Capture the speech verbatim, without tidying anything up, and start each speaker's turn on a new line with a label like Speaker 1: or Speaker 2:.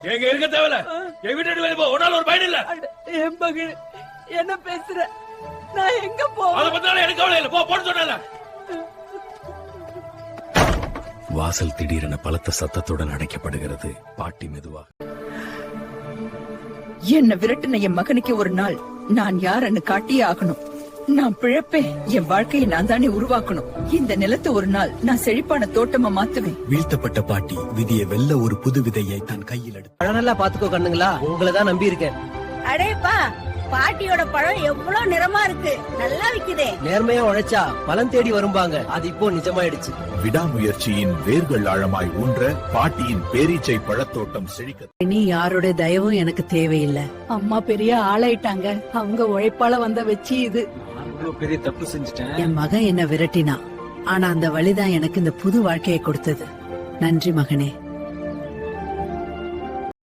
Speaker 1: எங்க இருக்க தேவையில்ல. என் வீட்டு வெளியே போ. உன்னால ஒரு பயன் இல்ல.
Speaker 2: என் மகள் என்ன பேசுற? நான் எங்க போவேன்?
Speaker 1: அத பத்தினால எனக்கு கவலை இல்ல. போ போன்னு சொன்னல.
Speaker 3: வாசல் திடீரென பலத்த சத்தத்துடன் அடைக்கப்படுகிறது. பாட்டி மெதுவாக,
Speaker 2: என்ன விரட்டின என் மகனுக்கு ஒரு நாள் நான் யாருன்னு காட்டியே ஆகணும். நான் பிழைப்பேன். என் வாழ்க்கையை நான் தானே உருவாக்கணும். இந்த நிலத்தை ஒரு நாள் நான் செழிப்பான தோட்டமா மாத்துவேன்.
Speaker 3: வீழ்த்தப்பட்ட பாட்டி விதியை வெல்ல ஒரு புது விதையை தன் கையில் எடுத்து,
Speaker 4: பழம் நல்லா பாத்துக்கோ கண்ணுங்களா, உங்களதான் நம்பி இருக்கேன்.
Speaker 5: அடேப்பா, பாட்டியோட பழம் எவ்வளவு நிறமா இருக்கு, நல்லா விக்குதே.
Speaker 4: நேர்மையா உழைச்சா பலன் தேடி வரும்பாங்க. அது இப்போ நிஜமாயிடுச்சு.
Speaker 6: விடாமுயற்சியின் வேர்கள் ஆழமாய் ஊன்ற பாட்டியின் பேரீச்சை பழத்தோட்டம் செழிக்க.
Speaker 7: நீ யாரோட தயவும் எனக்கு தேவையில்லை.
Speaker 2: அம்மா பெரிய ஆளாயிட்டாங்க. அவங்க உழைப்பால வந்த வச்சு இது.
Speaker 8: பெரிய தப்பு செஞ்சுட்டேன்.
Speaker 7: என் மகன் என்ன விரட்டினா, ஆனா அந்த வழிதான் எனக்கு இந்த புது வாழ்க்கையை கொடுத்தது. நன்றி மகனே.